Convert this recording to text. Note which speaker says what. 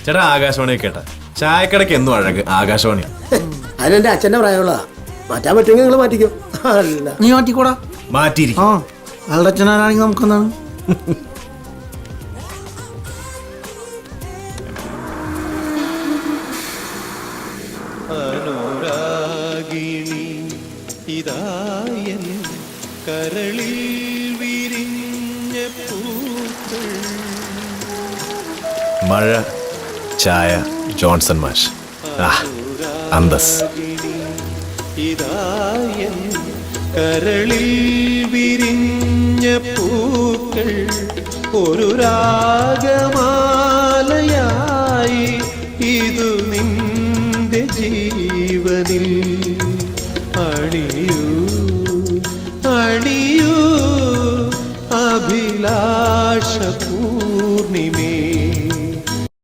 Speaker 1: ചേട്ടാ ആകാശവാണി കേട്ടാ ചായക്കടയ്ക്ക് എന്നും അഴക് ആകാശവാണി.
Speaker 2: അതിനെന്റെ അച്ഛന്റെ പ്രായമുള്ള മാറ്റാൻ പറ്റുമെങ്കിൽ നിങ്ങൾ മാറ്റിക്കോ. അല്ല
Speaker 3: നീ മാറ്റിക്കൂടാ.
Speaker 1: മാറ്റിയിരിക്കും.
Speaker 3: ആ അയാളുടെ അച്ഛനാണെങ്കിൽ നമുക്കെന്താണ്?
Speaker 4: അനുരാഗിണി ഇതായൻ കരളിൽ വിരിഞ്ഞ പൂക്കൾ.
Speaker 1: മഴ, ചായ, ജോൺസൺ മാഷ്. അന്തസ്.
Speaker 4: ഇതായൻ കരളിൽ വിരിഞ്ഞ പൂക്കൾ ഒരു രാഗം